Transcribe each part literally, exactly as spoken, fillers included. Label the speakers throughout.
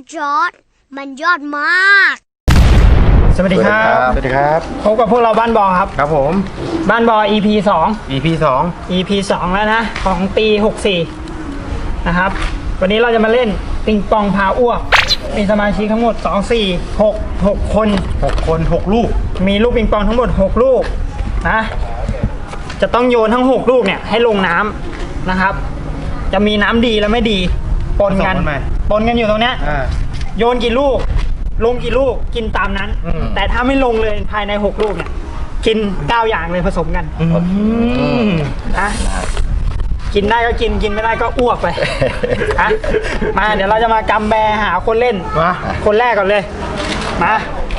Speaker 1: จอร์ดมันยอดมาก
Speaker 2: สวัสดีครับ
Speaker 3: สวัสดีครับ
Speaker 2: พบกับพวกเราบ้านบอครับ
Speaker 3: ครับผม
Speaker 2: บ้านบอ อี พี สอง
Speaker 3: อี พี สอง
Speaker 2: อี พี สองแล้วนะของปีหกสี่นะครับ วันนี้เราจะมาเล่นปิงปองพาอ้วกมีสมาชิกทั้งหมดสอง สี่ หก หกคน
Speaker 3: หกคนหกลูก
Speaker 2: มีลูกปิงปองทั้งหมดหกลูกนะจะต้องโยนทั้งหกลูกเนี่ยให้ลงน้ำนะครับ จะมีน้ำดีและไม่ดีปนกัน
Speaker 3: ผสมกันไหม
Speaker 2: ปนกันอยู่ตรงเนี้ย
Speaker 3: อ่า
Speaker 2: โยนกี่ลูก ลงกี่ลูกกินตามนั้น
Speaker 3: อืม
Speaker 2: แต่ถ้าไม่ลงเลยภายในหกลูกเนี่ยกินเก้าอย่างเลยผสมกัน
Speaker 3: อืม
Speaker 2: นะกินได้ก็กินกินไม่ได้ก็อ้วกไป นะมาเดี๋ยวเราจะมากำแบหาคนเล่น
Speaker 3: มา
Speaker 2: คนแรกก่อนเลยมา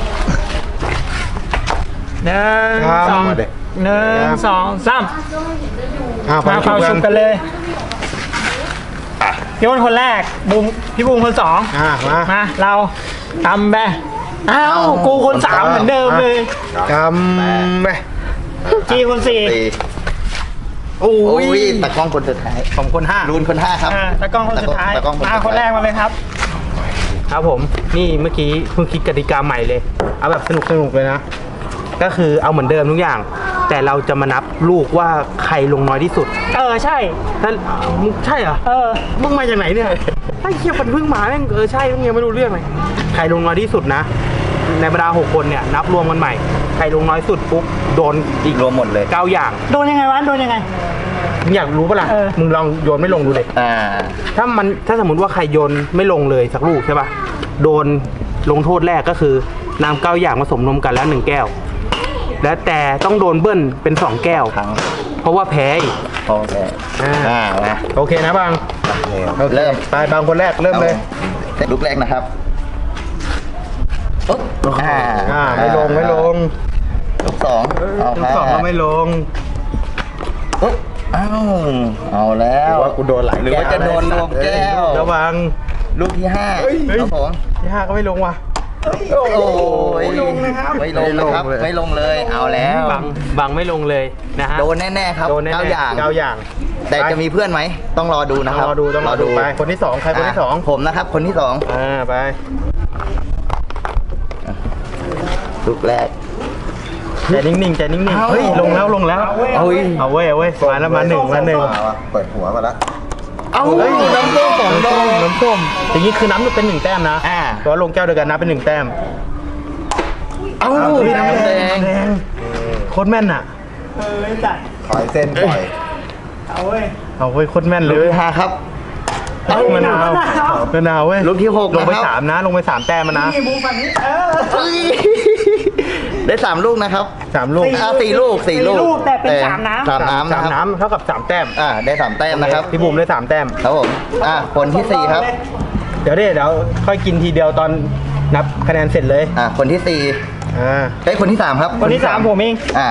Speaker 2: หนึ่ง
Speaker 3: ครับ
Speaker 2: สอง
Speaker 3: มาเด็ก
Speaker 2: หนึ่งสองสาม
Speaker 3: อ้าว
Speaker 2: มาเป่าชุบกันเลยพี่อ้นคนแรกบูมพี่บูมคนสอง
Speaker 3: อ่ามา
Speaker 2: มาเรากำแบอ้าวกูคนสามเหมือนเดิมเลย
Speaker 3: กำไป
Speaker 2: จีคนสี่
Speaker 4: สี่
Speaker 3: โอ้
Speaker 4: โอ้
Speaker 3: ย
Speaker 4: ยตะกล้องคนสุดท้าย
Speaker 3: สองคนห้า
Speaker 4: รูนคนห้าครับ
Speaker 2: อ่าตะกล้องคนสุดท้าย
Speaker 4: ตะกล้อง
Speaker 2: มาคนแรกมาเลยครับ
Speaker 3: ครับผมนี่เมื่อกี้เพิ่งคิดกติกาใหม่เลย เอาแบบสนุกสนุกเลยนะ ก็คือเอาเหมือนเดิมทุกอย่าง แต่เราจะมานับลูกว่าใครลงน้อยที่สุด
Speaker 2: เออใช่
Speaker 3: ท่านมึงใช่เหรอ
Speaker 2: เออ
Speaker 3: มึงมาจากไหนเนี่ยไอ้เคียมันเพิ่งมาแม่งเออใช่มึงยังไม่รู้เรื่องเลยใครลงน้อยที่สุดนะ ในบรรดาหกคนเนี่ยนับรวมกันใหม่ ใครลงน้อยสุดปุ๊บโดน
Speaker 4: อีกรวมหมดเลย
Speaker 3: เก้าอย่าง
Speaker 2: โดนยังไงวะโดนยังไง
Speaker 3: มึงอยากรู้ปะล่ะ
Speaker 2: เออ
Speaker 3: มึงลองโยนไม่ลงดูเลย
Speaker 4: อ่า
Speaker 3: ถ้ามันถ้าสมมติว่าใครโยนไม่ลงเลยสักลูกใช่ปะโดนลงโทษแรกก็คือน้ำเก้าอย่างผสมนมกันแล้วหนึ่งแก้ว และแต่ต้องโดนเบิ้ลเป็นสองแก้ว
Speaker 4: ครั้ง
Speaker 3: เพราะว่าแพ้อีก
Speaker 4: โอเค
Speaker 3: อ่า
Speaker 4: อ่ามา
Speaker 3: โอเคนะบางโอค
Speaker 4: เริ่ม
Speaker 3: ไปบางคนแรกเริ่มเลย
Speaker 4: แต่ลูกแรกนะครับปุ๊บอ่า
Speaker 3: อ่าไม่ลงไม่ลง
Speaker 4: ลูกสองเอา
Speaker 3: ลูกสองก็ไม่ลง
Speaker 4: ปุ๊บอ้าวเอาแล้ว
Speaker 3: หรือว่ากูโดนหลาย
Speaker 4: หรือว่าจะโดนรวมแก้ว
Speaker 3: ระวัง
Speaker 4: ลูกที่ห้า
Speaker 3: เฮ้ย
Speaker 4: ครับผม
Speaker 3: ที่ห้าก็ไม่ลงว่ะ
Speaker 4: โอ้ย
Speaker 2: ไม่ลงนะครับ
Speaker 4: ไม่ลงนะครับ
Speaker 3: ไม่ลงเลย
Speaker 4: ไม่ลงเลยเอาแล้ว
Speaker 3: บางบางไม่ลงเลยนะฮะ
Speaker 4: โดนแน่ๆครับ
Speaker 3: โดนแน่ๆ
Speaker 4: เก้าอย่าง
Speaker 3: เก้าอย่าง
Speaker 4: แต่จะมีเพื่อนไหมต้องรอดูนะครับ
Speaker 3: รอดูต้องรอดูไปคนที่สองใครคนที่สอง
Speaker 4: ะผมนะครับ คนที่สอง
Speaker 3: อ่าไป
Speaker 4: ลูกแรก
Speaker 3: ใจนิ่งๆใจนิ่ง
Speaker 4: เอ้า
Speaker 3: ๆเฮ้ยลงแล้วลงแล้ว
Speaker 4: เอาเว้ย
Speaker 3: เอาเว้ยเอาเว้ยมาแล้วมาหนึ่งมาหนึ่ง
Speaker 5: เปิดหัวมาแล้ว
Speaker 4: เอ้า
Speaker 3: เฮ้ย
Speaker 4: น้ำส้มสองดอก
Speaker 3: น้ำส้มอย่างนี้คือน้ำเป็นหนึ่งแต้มนะ
Speaker 4: อ่า
Speaker 3: เพราะว่าลงแก้วเดียวกันนับเป็นหนึ่งแต้ม
Speaker 4: เอ้า
Speaker 3: เฮ้ย
Speaker 4: น้ำแดง
Speaker 3: โคตรแม่นอ่ะ
Speaker 2: เออจัด
Speaker 5: ถอยเส้นปล่อย
Speaker 2: เอาเว้ย
Speaker 3: เอาเว้ยโคตรแม่นเล
Speaker 4: ลูก
Speaker 3: ย
Speaker 4: ที่ห้าครับ
Speaker 3: เอ้ามะนาวมะนาวเว้ย
Speaker 4: ลูกที่หก
Speaker 3: ลงไป
Speaker 4: นะครับ
Speaker 3: สามนะ ลงไปสามแต้มมานะ
Speaker 2: นี่บูมฝั่งนี้เออ
Speaker 4: เฮ้ยได้สามลูกนะครับ
Speaker 3: สามลูก
Speaker 4: อ่าสี่ลูกสี่ลูก
Speaker 2: สี่ลูกแต่เป็นสามน้ำ
Speaker 4: สามน้ำ
Speaker 3: สา
Speaker 4: นะ
Speaker 3: ม
Speaker 4: ครับ
Speaker 3: น้ำเท่ากับสามแต้ม
Speaker 4: อ่าได้สามแต้มนะครับ
Speaker 3: พี่บุ๋มได้สามแต้ม
Speaker 4: ครับผมอ่าคนที่สี่ครับ
Speaker 3: เดี๋ยวเดี๋ยวเดี๋ยวค่อยกินทีเดียวตอนนับคะแนนเสร็จเลย
Speaker 4: อ่าคนที่สี่
Speaker 3: อ่า
Speaker 4: เอ้ยคนที่สามครับ
Speaker 2: คนที่สามผมเอง
Speaker 4: อ่า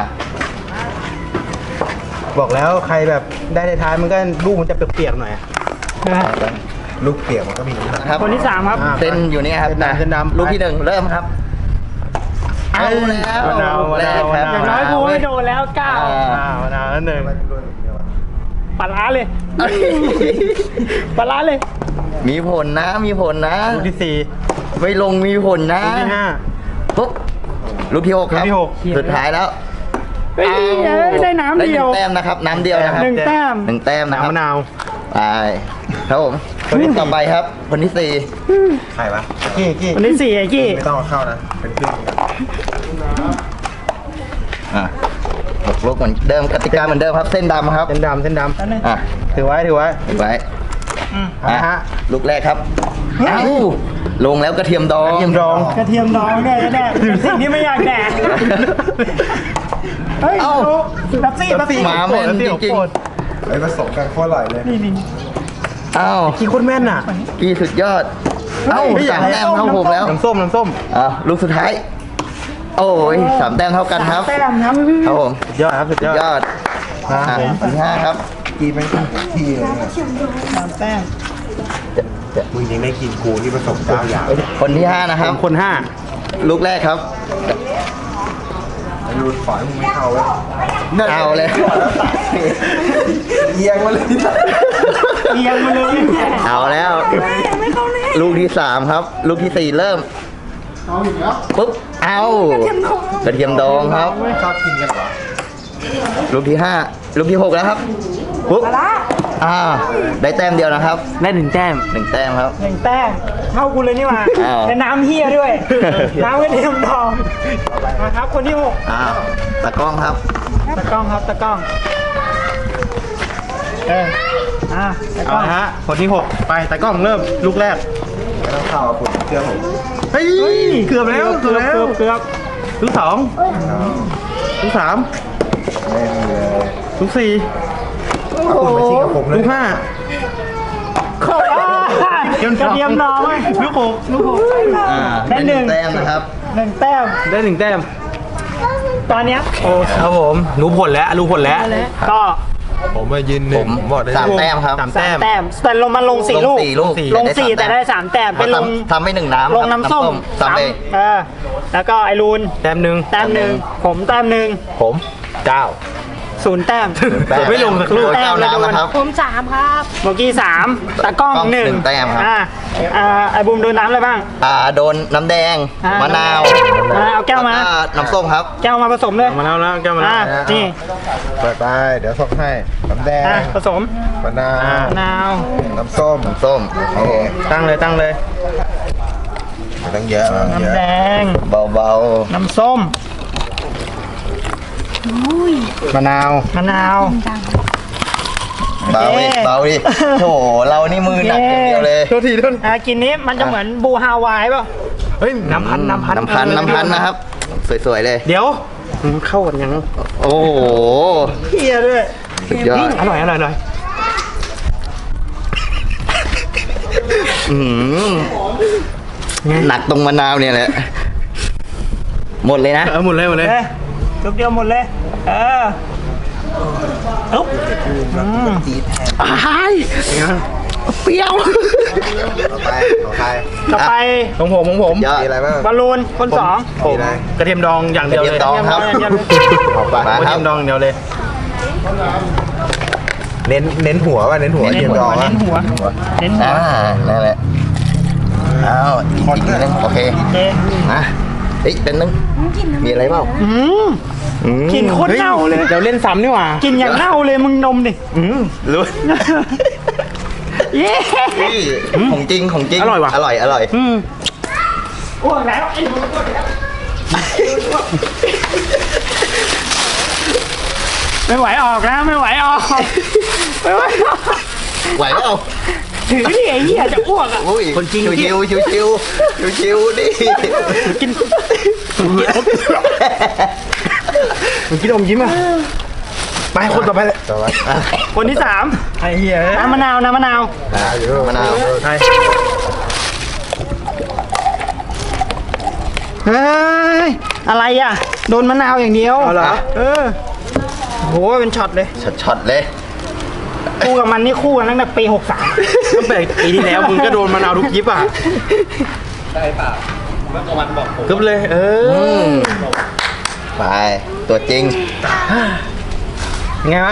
Speaker 3: บอกแล้วใครแบบได้ในท้ายมันก็ลูกมันจะเปียกๆหน่อย
Speaker 5: ลูกเปียกมันก็มีน้ำหนัก
Speaker 4: ครับ
Speaker 2: คนที่สามครับ
Speaker 3: อ่า
Speaker 4: เส้นอยู่เนี่ยครับ
Speaker 3: เส้นดำเส้นดำ
Speaker 4: ลูกที่หนึ่งเริ่มครับ เอาแล้ว
Speaker 3: มะนาว
Speaker 4: ลูกแรกครับ
Speaker 3: มะนาว
Speaker 2: อย่างน้อยกูไม่โดนแล้วเก้า
Speaker 4: อ่า
Speaker 3: อ่ามะนาวนั่นหนึ่ง
Speaker 2: ปลาร้าเลยปลาร้าเลย
Speaker 4: มีผลนะ มีผลนะ
Speaker 3: ลูกที่สี่
Speaker 4: ไม่ลงมีผลนะ
Speaker 3: ลูกที่ห้า
Speaker 4: ปุ๊บลูกที่หกครับ
Speaker 3: ลูกที่หก
Speaker 4: สุดท้ายแล้ว
Speaker 2: เฮ้ยเอ้ยได้น้ำ
Speaker 4: ได้ห
Speaker 2: เดี
Speaker 4: นึ่
Speaker 2: ยว
Speaker 4: งแต้มนะครับ น้ำเดียวนะครับ
Speaker 2: หนึ่งแต้ม
Speaker 4: หนึ่งแต้มนะครับ
Speaker 3: น้ำมะนาว
Speaker 4: ไปครับผมคนที่ต่อไปครับ คนที่สี่
Speaker 5: ใครวะ
Speaker 3: กี้กี้
Speaker 2: คนที่สี่ไอ้กี้
Speaker 5: ไม่ต้องเอาเข้านะ เป็นครึ่ง
Speaker 4: อ่ะหกลูกเหมือนเดิมกติกาเหมือนเดิมครับ เส้นดำครับ
Speaker 3: เส้นดำเส้นด
Speaker 2: แล้วนึง
Speaker 4: อ่ะ
Speaker 3: ำถือไว้ถือไว้
Speaker 4: ถือไว้
Speaker 2: อืม
Speaker 4: อ่ะ
Speaker 3: ฮะ
Speaker 4: ลูกแรกครับอ้าวลงแล้วกระเทียมดอง
Speaker 3: กระเทียมดอง
Speaker 2: กระเทียมดองด้วยแน่ๆเป็นสิ่งที่ไม่อยากแดกเฮ้ย
Speaker 4: เอ้า
Speaker 2: ดับซี่ดับซี่
Speaker 4: หมาแม่นจริง
Speaker 5: ไอ้ผสมกันโคตรอร่อยเลย
Speaker 2: นี่นี่
Speaker 4: อ้าว
Speaker 3: กี้โคตรแม่นอ่ะ
Speaker 4: กี่สุดยอด เอ้า
Speaker 2: เฮ้ย
Speaker 4: สามแต้มเท่าผมแล้ว
Speaker 3: น้ำส้มน้ำส้ม
Speaker 4: อ่ะลูกสุดท้าย โอ้ยสามแต้มเท่ากันครับ
Speaker 2: แต้มครับ
Speaker 4: ครับผม
Speaker 3: สุดยอดครับสุด
Speaker 4: สุ
Speaker 3: ย
Speaker 4: ด
Speaker 3: อด
Speaker 4: ยอด
Speaker 3: ครั
Speaker 4: อ่ะ
Speaker 3: บผม
Speaker 4: คนที่ห้าครับ
Speaker 5: กีเป็นที่เลยเนี่ย
Speaker 2: สามแต้ม
Speaker 5: มึงยังได้กินกูที่ผสมเก้าอย่าง
Speaker 4: คนที่ห้านะครับ
Speaker 3: คนห้า
Speaker 4: ลูกแรกครับ
Speaker 5: ไอ้รูดฝอยมึงไม่เข้าเว้ย
Speaker 4: เอาเลย
Speaker 5: เอียงมาเลย
Speaker 2: เอียงมาเลย
Speaker 4: เอาแล้ว
Speaker 2: ไม่เข้าแน่
Speaker 4: ลูกที่สามครับ ลูกที่สี่เริ่มปุ๊บเอากระเทียมดองครับ
Speaker 5: ชอบกินกันเหรอ
Speaker 4: ลูกที่ห้าลูกที่หกแล้วครับปุ๊บอ่าได้แต้มเดียวนะครับ
Speaker 3: ได้หนึ่งแต้ม
Speaker 4: หนึ่งแต้มครับ
Speaker 2: หนึ่งแต้มเท่ากูเลยนี่หว่า
Speaker 4: อ้าว
Speaker 2: แต่น้ำเฮียด้วย น้ำกระเทียมดองนะครับคนที่หก
Speaker 4: อ่าตะกล้องครับ
Speaker 2: ตะกล้องครับตะกล้องเอออ่ะตะก
Speaker 3: เอา
Speaker 2: ล้อง
Speaker 3: ละฮะคนที่หกไปตากล้องเริ่มลูกแรก
Speaker 5: ไม่ต้องเข้าคุณเชื่อผม
Speaker 3: เฮ้ยเกือบแล้วเกื
Speaker 2: เกื
Speaker 3: อ
Speaker 2: อ
Speaker 3: บบ แล้ว
Speaker 2: เกือบเกือบ
Speaker 3: ลูกสองลูกสาม
Speaker 5: ไม่มีเลย
Speaker 3: ลูกสี่
Speaker 5: เอาคุณมาชิงกับผมเล
Speaker 3: ลู
Speaker 5: ย
Speaker 3: กห้า
Speaker 2: อ่ากระเทียมดองไหม
Speaker 3: ลูกหก
Speaker 2: ลูกหก
Speaker 4: อ่า
Speaker 2: ได้หนึ่ง
Speaker 4: แต้มนะครับ
Speaker 2: หนึ่งแต้ม
Speaker 3: ได้หนึ่งแต้ม
Speaker 2: ตอนเนี้ยโอ้
Speaker 3: ครับผมรู้ผลแล้วรู้ผลแล้ว
Speaker 2: ก็
Speaker 5: ผมมายืนห
Speaker 4: ผ
Speaker 5: นึ่ง
Speaker 4: ม
Speaker 5: บอกได้
Speaker 4: สาม
Speaker 5: เลย
Speaker 4: แต้มครับ
Speaker 3: สาม
Speaker 2: สา
Speaker 3: แต้
Speaker 2: ม
Speaker 3: ม
Speaker 2: แต้มแต่ลงมาลงสี่
Speaker 4: ล
Speaker 2: ลู
Speaker 4: ง
Speaker 2: ก
Speaker 4: สี่ลูก
Speaker 2: ลงสี่แต่ได้สามแต้มเป็นลง
Speaker 4: ทำไม่หนึ่งน้ำ
Speaker 2: ลงน้ำส้ม
Speaker 4: สามเอง
Speaker 2: เออแล้วก็ไอรูน
Speaker 3: แต้มหนึ่ง
Speaker 2: แต้มหนึ่งผมแต้มหนึ่ง
Speaker 3: ผมเก้า
Speaker 2: ศูนย์แต้ม
Speaker 3: ผมไม่ลงสักลูก
Speaker 4: แต้มแล้วนะครับ
Speaker 1: ผมสามครับ
Speaker 2: โบกี้สามตากล้อง
Speaker 4: กล้อง
Speaker 2: หนึ่ง
Speaker 4: หนึ่งแต้มครับ
Speaker 2: อ่าอ่าไอบูมโดนน้ำอะไรบ้าง
Speaker 4: อ่าโดนน้ำแดง
Speaker 2: อ่าม
Speaker 4: มะนาว
Speaker 2: อ่าเอาแก้วมา
Speaker 4: ล้น้ำส้มครับ
Speaker 2: แก้วมาผสมเลย
Speaker 3: มาแล้วแล้วแก้วมาแล้ว
Speaker 2: อ่านี่
Speaker 5: เปิดไปเดี๋ยวส่งให้น้ำแดง
Speaker 2: อ่ะผสม
Speaker 5: มะนาว
Speaker 3: อ่า
Speaker 2: มะนาว
Speaker 5: น้ำส้ม
Speaker 4: น้ำส้ม
Speaker 5: โอเค
Speaker 3: ตั้งเลยตั้งเลย
Speaker 5: ไม่ต้องเยอะไม่ต้องเย
Speaker 2: น้ำ
Speaker 5: อะ
Speaker 2: แดง
Speaker 4: เบา
Speaker 2: น้ำส้ม
Speaker 3: มะนาว
Speaker 2: มะนาว
Speaker 4: ๆเบาดิ
Speaker 2: เย้
Speaker 4: เบาดิโถเรานี่มือหนักอย่างเดียวเลย
Speaker 3: โทษทีโทษ
Speaker 2: อ่ากินนี้มันจะเหมือนบูฮาวายเปล่ะ
Speaker 3: เฮ้ยน้ำพันน้ำพัน
Speaker 4: น้ำพันน้ำพันนะครับ สวยๆเลย
Speaker 3: เดี๋ยวอืมเข้ากันยัง
Speaker 4: โอ้โห
Speaker 2: เฮียด้วย
Speaker 4: สุดยอด
Speaker 3: อร่อยอร่อยอร่อย
Speaker 4: อืมหนักตรงมะนาวเนี่ยแหละ หมดเลยนะ
Speaker 3: เออหมดเลยหมดเลย
Speaker 2: เอ้ยทุกเดียวหมดเลย เอออุ๊บอืม
Speaker 3: เปรี้ยว
Speaker 5: ต่อไปต่อไป
Speaker 2: ต่อไป
Speaker 3: ของผมของผม
Speaker 4: เยอะ
Speaker 5: มีอะไรบ้าง
Speaker 2: บอลลูนคนสอง
Speaker 3: ผม
Speaker 5: มีอะไร
Speaker 3: กระเทียมดองอย่างเดียวเลย
Speaker 4: กระเทียมดอง ครับ
Speaker 2: เยี่ยมเลย
Speaker 5: เอาไป
Speaker 4: มาก
Speaker 3: ระ
Speaker 4: ครั
Speaker 3: เที
Speaker 4: บ
Speaker 3: ยมดองอย่างเดียวเลย
Speaker 5: เน้นเน้นหัวป่ะเน้นหัว
Speaker 2: เน้น
Speaker 5: เทียม
Speaker 2: หั
Speaker 5: ด
Speaker 2: ว
Speaker 5: อง
Speaker 2: เน้นหัวเน้นหัว
Speaker 4: อ่านั่นแหละอ้าวอีกทีนึงโอเค
Speaker 2: เอ๊ะ
Speaker 4: นะเฮ้ยเป็นนึงมีอะไรเปล่า
Speaker 2: อืม
Speaker 4: อืม
Speaker 2: กลินโคตรเน่าเลย
Speaker 3: เดี๋ยวเล่นซ้ำนี่หว่า
Speaker 2: กินอย่างเน่าเลยมึงนมดิ
Speaker 4: อืมรู้
Speaker 2: เย้
Speaker 4: นี่ของจริงของจริง
Speaker 3: อร่อยว่ะ
Speaker 4: อร่อยอร่อย
Speaker 3: อืม
Speaker 2: อ้วกแล้วไอ้หนูอ้วกแล้วไม่ไหวออกแล้วไม่ไหวออกไม่ไหวออก
Speaker 4: ไหวเปล่า
Speaker 2: ถือดิไอ้เหี้ยจะอ้วกอ่ะ
Speaker 4: อุ้ย
Speaker 3: คนจริง
Speaker 4: ชิวชิวชิวชิวชิวๆดิ
Speaker 3: กินมันกินอมยิ้มอ่ะไปคนต่อไปเลย
Speaker 5: ต่อไป
Speaker 2: คนที่สาม
Speaker 3: ไอ้เหี้ย
Speaker 2: น้ำมะนาวน้ำมะนาว
Speaker 5: อ่าอยู่
Speaker 4: มะนาว
Speaker 3: ใช่
Speaker 2: เฮ้ยอะไรอ่ะโดนมะนาวอย่างเดียว
Speaker 3: เอาเหรอ
Speaker 2: เออโหเป็นช็อตเลย
Speaker 4: ช็อตๆเลย
Speaker 2: คู่กับมันนี่คู่กันตั้งแต่ปีหกสาม
Speaker 3: ตั้งแต่ปีที่แล้วมึงก็โดนมะนาวทุกยิปอ่ะกึบเลย เอ
Speaker 4: อื
Speaker 3: อ
Speaker 4: มไปตัวจริง
Speaker 3: ไงบ้าง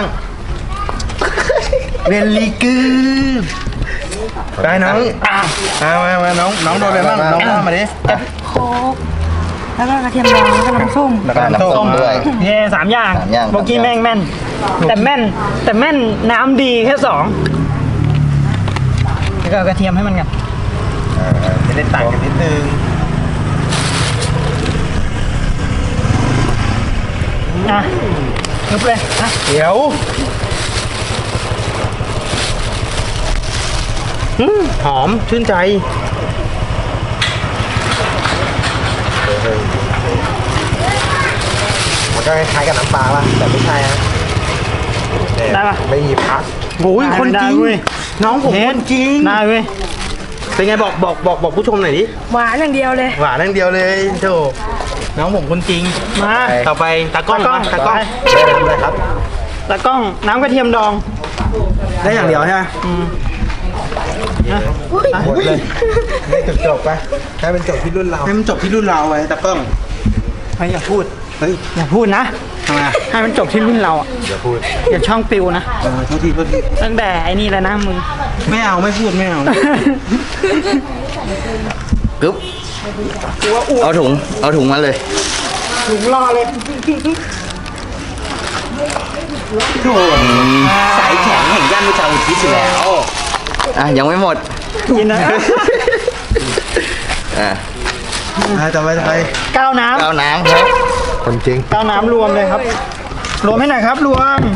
Speaker 3: เรนลีกือไปน้องมามามาน้องน้องโดนอะไรบ้างน้องว่ามาดิ
Speaker 1: โคกแล้วก็กระเทียมดองแล้วก็น้ำส้ม
Speaker 4: แล้วก็น้ำส้มด้วย
Speaker 2: เฮ้สามอย่าง
Speaker 4: สามอย่าง
Speaker 2: เมื่อกี้
Speaker 4: สามอย่าง
Speaker 2: แม่งแม่น แต่แม่นแต่แม่นน้ำดีแค่สองแล้วก็เอากระเทียมให้มันกัน
Speaker 5: จะได้ต่างกันนิดนึง
Speaker 2: อ่ะยุบเลยอ่ะ
Speaker 3: เดี๋ยวอืมหอมชื่นใจ
Speaker 5: มันก็คล้ายๆกับน้ำปลาป่ะแต่ไม่ใช่นะเนี่ย
Speaker 2: ได้ปะ
Speaker 5: ไม่มีพัก
Speaker 3: โอ้ย
Speaker 2: ได้
Speaker 3: คนจริง
Speaker 2: ได้เว้ย
Speaker 3: น้องผมคนจริง
Speaker 2: ได้เว้ย
Speaker 3: เป็นไงบอกบอกบอกบอกผู้ชมหน่อยดิ
Speaker 1: หวานอย่างเดียวเลย
Speaker 3: หวานอย่างเดียวเลยโธ่น้องผมคนจริง
Speaker 2: มา
Speaker 3: ต่อไปตากล้อง
Speaker 2: ตากล้อง
Speaker 3: มาตากล้อง
Speaker 5: ได้ทำอะไรครับ
Speaker 2: ตะกล้องน้ำกระเทียมดอง
Speaker 3: ได้อย่างเดียวใช่ไหม
Speaker 2: อืม
Speaker 5: หมดเลยไม่จบจบๆไปให้เป็นจบที่รุ่นเรา
Speaker 3: ให้มันจบที่รุ่นเราไว้ตากล้อง
Speaker 2: ไม่อย่าพูด
Speaker 3: เฮ้ย
Speaker 2: อย่าพูดนะ
Speaker 3: ทำไมอ่ะ
Speaker 2: ให้มันจบที่รุ่นเราอ่ะ
Speaker 5: อย่าพูด
Speaker 2: อย่าช่องปิวนะ
Speaker 3: เออโทษทีโทษที
Speaker 2: ตั้งแต่ไอ้นี่แล้วนะมึง
Speaker 3: ไม่เอาไม่พูดไม่เอา
Speaker 4: กึ๊บ
Speaker 2: กูว่าอ้ว
Speaker 4: เอา
Speaker 2: ก
Speaker 4: ถุง เอาถุงมาเลย
Speaker 2: ถุงรอเลย
Speaker 3: โถ่สายแข็งแห่งย่านวิชาอุทิศอยู่แล้ว
Speaker 4: อ่ะ ยังไม่หมด
Speaker 2: กินนะ
Speaker 4: อ่ะ
Speaker 3: จะไปจะไป
Speaker 2: ก้าวน้
Speaker 4: ก้าวน้ำครับ
Speaker 5: คนจริง
Speaker 2: ำก้าวน้ำรวมเลยครับ รวมให้หน่อยครับรวม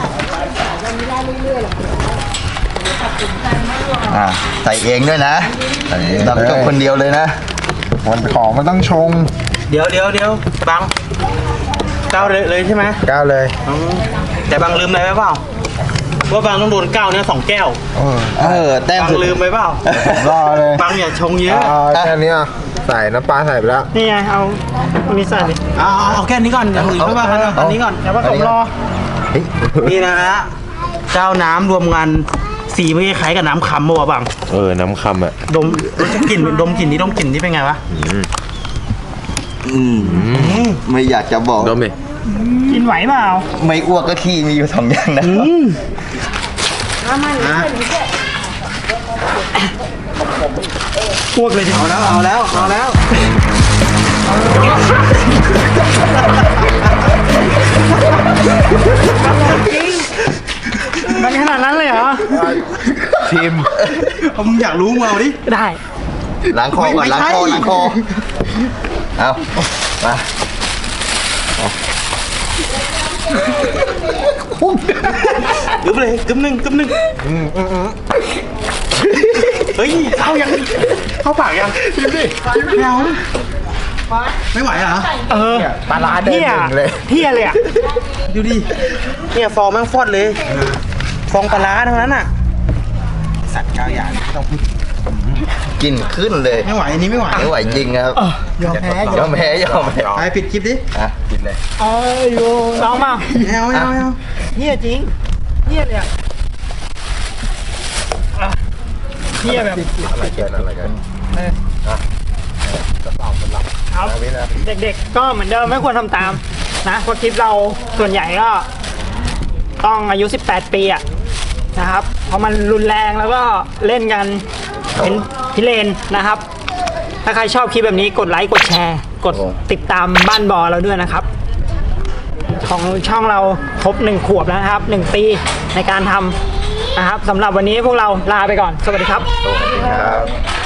Speaker 4: อ่ะ ใส่เองด้วยนะดับจบคนเดียวเลยนะ
Speaker 5: มันของมันต้องชง
Speaker 3: เดี๋ยวเดี๋ยวเดี๋ยวบังก้าวเลยเลยใช่ไหม
Speaker 5: ก้าวเลย
Speaker 3: อืมแต่บังลืมอะไรไว้เปล่าว่าบังต้องโดนก้าวเนี่ยสองแก้ว
Speaker 5: เออ
Speaker 4: เออ แต้ม
Speaker 3: บัง
Speaker 4: สุด
Speaker 3: ลืมไปเปล่า
Speaker 5: รอเลย
Speaker 3: บังอย่าชงเยอะ
Speaker 5: เอาแค่นี้อ่ะใส่น้ำปลาใส่ไปแล้ว
Speaker 2: นี่ไงเอาอันนี้ใส่เลย
Speaker 3: เอาเอาเอาแค่นี้ก่อนอย่างอื่นไม่ว่ากันอันนี้ก่อน
Speaker 2: เดี๋ยวผสมรอ
Speaker 3: นี่นะฮะเจ้าน้ำรวมกันสีไม่คล้ายกับน้ำคำมั้วะบัง
Speaker 5: เออ น้ำคำอ่ะ
Speaker 3: ดมกลิ่นดมกลิ่นนี้ดมกลิ่นนี้เป็นไงวะ
Speaker 4: อืมไม่อยากจะบอก
Speaker 5: ดมดิ
Speaker 2: กินไหวเปล่า
Speaker 4: ไม่อ้วกก็ขี้มีอยู่สองอย่างนะ
Speaker 2: อ้วกเลยดิ
Speaker 3: เอาแล้วเอาแล้วเอาแล้ว
Speaker 2: มันขนาดนั้นเลยเหรอ
Speaker 5: ชิม
Speaker 3: เอามึงอยากรู้มาเอาดิ
Speaker 2: ได้
Speaker 4: ล้างคอก่อน
Speaker 3: ไม่
Speaker 4: ล้าง
Speaker 3: ใช่
Speaker 4: คอล้างคอ เอามา
Speaker 3: กึ๊บเลยกึ๊บหนึ่งกึ๊บหนึ่งเฮ้ยเอายังเข้าปากยังชิมดิไม่เอาไม่ไหวเหรอ
Speaker 2: เออ
Speaker 5: ปลาร้าเดิน
Speaker 2: เที่ย
Speaker 5: หนึ่งเลย
Speaker 2: เที่ยเลยอ่ะ
Speaker 3: ดูดิเนี่ยฟองแม่งฟอดเลย ฟองปลาร้าทั้งนั้นอ่ะสัตว์ก้าวอย่างไม่ต้องพูด
Speaker 4: กินขึ้นเลย
Speaker 3: ไม่ไหวอันนี้ไม่ไหว
Speaker 4: ไม่ไหวจริงครับ
Speaker 2: ยอมแพ้
Speaker 4: ยอมแพ้ยอมแพ้
Speaker 3: ไปปิดคลิปดิ
Speaker 4: อ่ะกินเลย
Speaker 2: เอ้ยโยลองมา
Speaker 3: ไม่เอาไม่เอาไม่เอา
Speaker 2: เที่ยจริงเที่ยเลยอ่ะอ่ะเที่ยแบบ
Speaker 5: อะไรกันอะไรกัน
Speaker 2: ครับเด็กๆก็เหมือนเดิมไม่ควรทำตามนะเพราะคลิปเราส่วนใหญ่ก็ต้องอายุ สิบแปด ปีอะนะครับ เพราะมันรุนแรงแล้วก็เล่นกันเป็นพิเรนนะครับ ถ้าใครชอบคลิปแบบนี้กดไลค์กดแชร์ กดติดตามบ้านบอเราด้วยนะครับ ของช่องเราครบหนึ่งขวบแล้วนะครับหนึ่งปีในการทำนะครับสำหรับวันนี้พวกเราลาไปก่อน สวัสดีครับ
Speaker 5: ครับ